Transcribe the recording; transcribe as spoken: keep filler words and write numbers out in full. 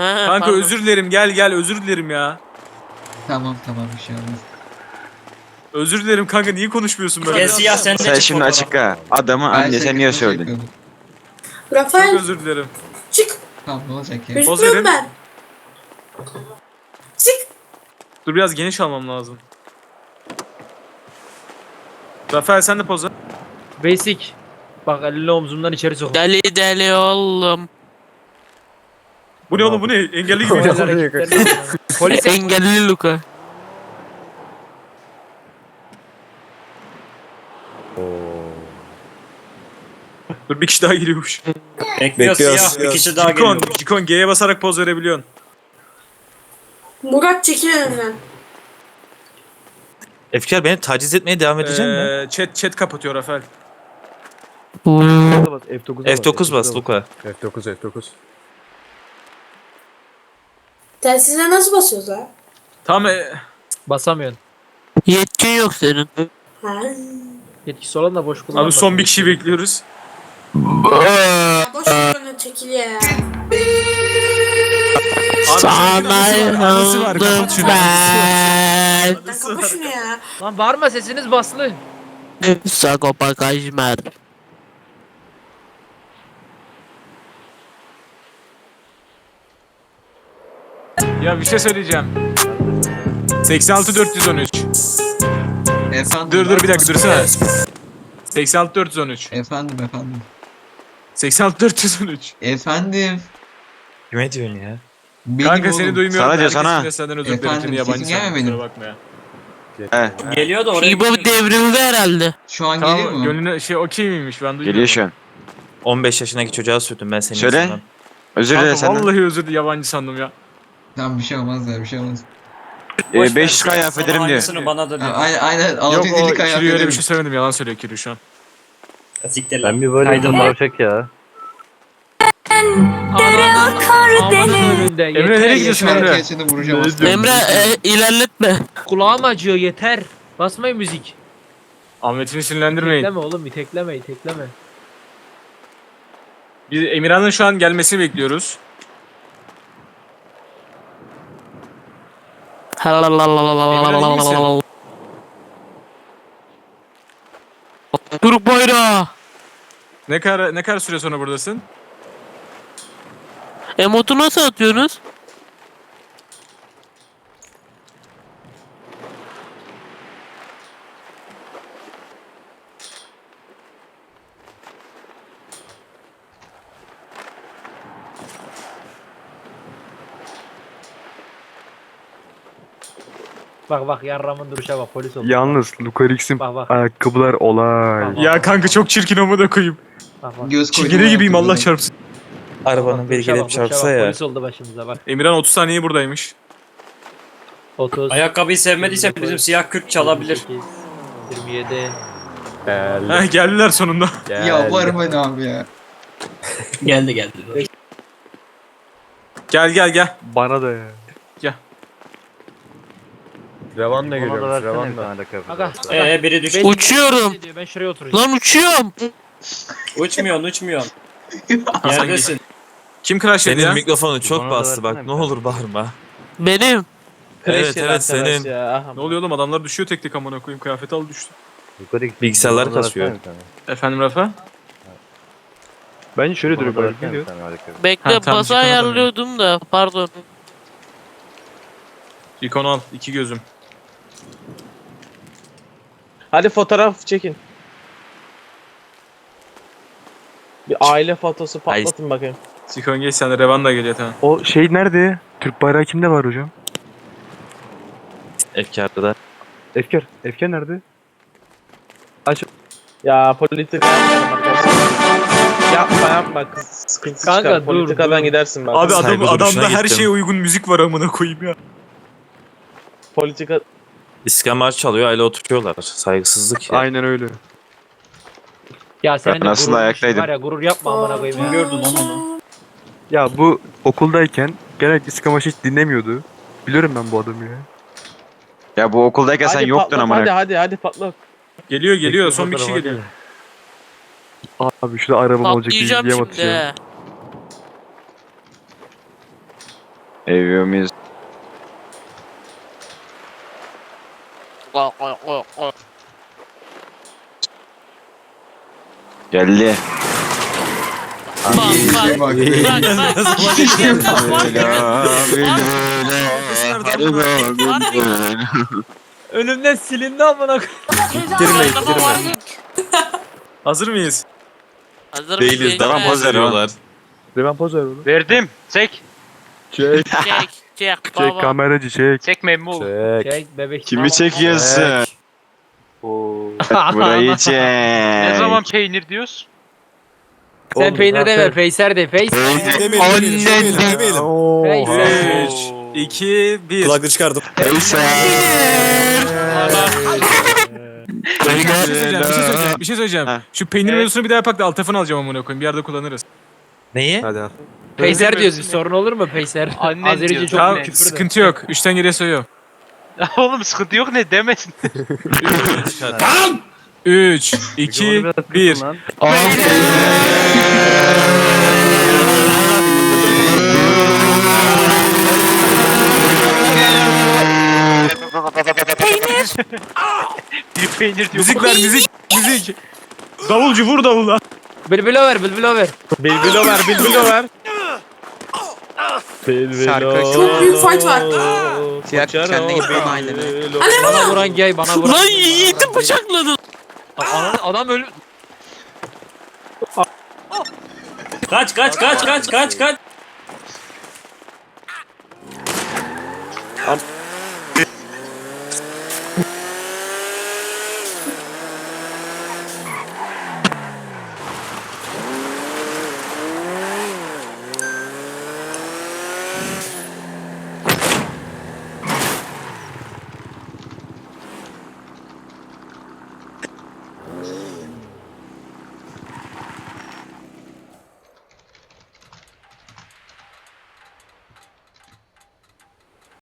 Kanka pardon. özür dilerim, gel gel, özür dilerim ya. Tamam tamam bir şey olmaz. Özür dilerim kanka, niye konuşmuyorsun böyle? Gel siyah sen de Sen çık şimdi fotoğraf. açık ha. Adamı Ben annesen niye şakasını söyledin? yapıyordum. Çok Rafael özür dilerim. çık. Tamam ne olacak ya? Poz Üzgünüm verin. ben. Çık. Dur biraz geniş almam lazım. Rafael sen de poz ver. Basic. Bak elini omzumdan içeri sok. Deli deli oğlum. Bu ne oğlum, bu ne? Engelli gibi. Polis Engelli Luka. Dur bir kişi daha geliyormuş. Bekliyor siyah. Bir kişi daha Cikon, geliyor. Cikon G'ye basarak poz verebiliyorsun. Murat çekil önümden. Efkar beni taciz etmeye devam edecek mi? Ee, chat chat kapatıyor Rafael. F dokuz F dokuz bas Luka. F dokuz F dokuz. Telsize nasıl basıyoruz la? Tamam. E, basamıyorsun. Yetkin yok senin. Ha. Yetkisi olan da boş kullanma. abi son bir kişi bekliyoruz. Ya boş ver onu, çekil ya. Sana yandım ben. Lan kapa şunu ya. Lan bağırma, sesiniz baslı. Sagopa Kajmer. Ya bir şey söyleyeceğim. seksen altı dört yüz on üç. Efendim. Dur dur bir dakika dursana. seksen altı dört yüz on üç. Efendim efendim. seksen altı dört yüz on üç. Efendim. Kime diyorsun ya? Benim Kanka oğlum. seni duymuyorum. Sana diyor, Herkesin sana. de senden özür Efendim, dilerim. Yabancı sesin gelmiyor sandım, benim. kusura bakma ya. He. Geliyor da oraya. İbo devrildi herhalde. Şu an geliyor Tamam mu? gönlüne şey okey miymiş, ben duyuyorum. Geliyor şu an. on beş yaşındaki çocuğa sürdüm ben senin Söyle. yüzünden. Özür dilerim Kanka senden. vallahi özür dilerim, yabancı sandım ya. Tamam bir şey olmaz ya bir şey olmaz. Ee, beş yüz K affederim diyor. Aynısını bana da Ha, diyor. aynen aynen Yok altı yüz elli o kaya Kiri öyle bir dedim. şey söylemedim, yalan söylüyor Kiri şu an. Siktir lan. Ben bir böyle Kaydın var. tavşak ya. Amanın önünde. Emre Yeter. nereye gidiyorsun Şarkı Emre? açını vuracağım aslında. Emre e, ilerletme. Kulağım acıyor, yeter. Basmayın müzik. Ahmet'ini sinirlendirmeyin. İtekleme oğlum, itekleme itekleme. Biz Emirhan'ın şu an gelmesini bekliyoruz. Türk bayrağı. Ne kadar ne kadar süre sonra buradasın? Emotu nasıl atıyorsunuz? Bak bak yarramın duruşa bak, polis oldu. Yalnız Lucarix'in Bak bak. ayakkabılar olay. Bak, Ya kanka çok çirkin, ama da koyayım. bak bak. Göz koydum Çingene gibiyim, ayakkabıda. Allah çarpsın. Arabanın biri Duruşa gelip bak, duruşa çarpsa bak, ya. Polis oldu başımıza bak. Emirhan otuz saniye buradaymış. otuz. Ayakkabıyı sevmediyse bizim siyah kürk çalabilir. yirmi sekiz, yirmi yedi. Geldi. Heh, geldiler sonunda. Ya bu araba ne abi ya? Geldi geldi. Gel gel gel. Bana da ya. Gel. Revan da geliyor. Revan da. Aga. Ee biri düştü. Ben- Uçuyorum. Ben şuraya oturacağım. Lan uçuyorum. Uçmuyorsun uçmuyorsun. Neredesin? Kim crash etti Senin ya? mikrofonu çok Bana da bastı bak, versene ne bir olur bağırma. Benim. Evet evet senin. Ne oluyor oğlum, adamlar düşüyor tek tek, amına koyayım, kıyafet al düştü. Bilgisayarlar kasıyor. Efendim Rafa? Bence şöyle duruyor böyle. Geliyor. Bekle Ha, tamam, bası çıkamadım. ayarlıyordum da pardon. İkonu al, iki gözüm. Hadi fotoğraf çekin. Bir aile fotosu patlatın bakayım. Sikon geç, sen de Revan da geliyor, tamam. O şey nerede? Türk bayrağı kimde var hocam? Efkarda. Efkar. Efkar nerede? Aç. Ya politika yapmayalım arkadaşlar. Yapma yapma kız sıkıntı Kanka, çıkar. dur, Politikadan dur. gidersin bak. Abi adam, Saygı duruşuna adamda her gittim. şeye uygun müzik var, amına koyayım ya. Politika İskemar çalıyor, aile oturuyorlar. Saygısızlık ya. Aynen öyle. Ya senin de Ben aslında gurur ayaktaydım. var ya, gurur yapma amına koyayım ya. Gördün lan onu. Ya bu okuldayken genellikle İskamaş hiç dinlemiyordu. Biliyorum ben bu adamı ya. Ya bu okuldayken sen hadi yoktun patlat, amına. hadi hadi hadi patlat. Geliyor geliyor, son bir kişi geliyor. Abi şurada arabam olacak diye Patlayacağım diye şimdi. atacağım. he. Eviyor muyuz? Geldi. Bak bak. Bak. Bak. Önümden silindi amına koyayım. Hazır mıyız? Hazır Değiliz. mıyız? Devam gençler? poz veriyorlar. Devam poz ver oğlum. Verdim. Çek. Çek. Çek çek Çek baba. kameracı çek. Çek memnun ol. Çek. Çek bebek. Kimi çekiyorsun? Oo. Burayı çek. Ne zaman peynir diyoruz? Sen Oğlum, peynir zaten- deme, peyser de, peyser. Peyser. üç, iki, bir. Kulaklığı çıkardım. Bir şey söyleyeceğim, bir şey söyleyeceğim, bir şey söyleyeceğim. Ha. Şu peynir mevzusunu bir daha yapak da alt tarafını alacağım amına koyayım. Bir yerde kullanırız. Neyi? Hadi al. Peyser diyoruz, bir sorun olur mu peyser? Annen Azerice diyor. çok Tamam, küfür de. sıkıntı yok. Üçten geriye sayıyorum. Oğlum sıkıntı yok ne demesin. Üç, iki, bir. Bir peynir diyor. Müzik ver, müzik, müzik. Davulcu vur davula. Bülbül over, bülbül over. Bilbilo ver, bilbilo ver. Çok büyük fight var. Fiyat kendine gitme Anne Bana bana. vuran gay, bana vuran. Lan Yiğit'i bıçakladın. Adam, adam ölü... Kaç kaç kaç kaç kaç kaç.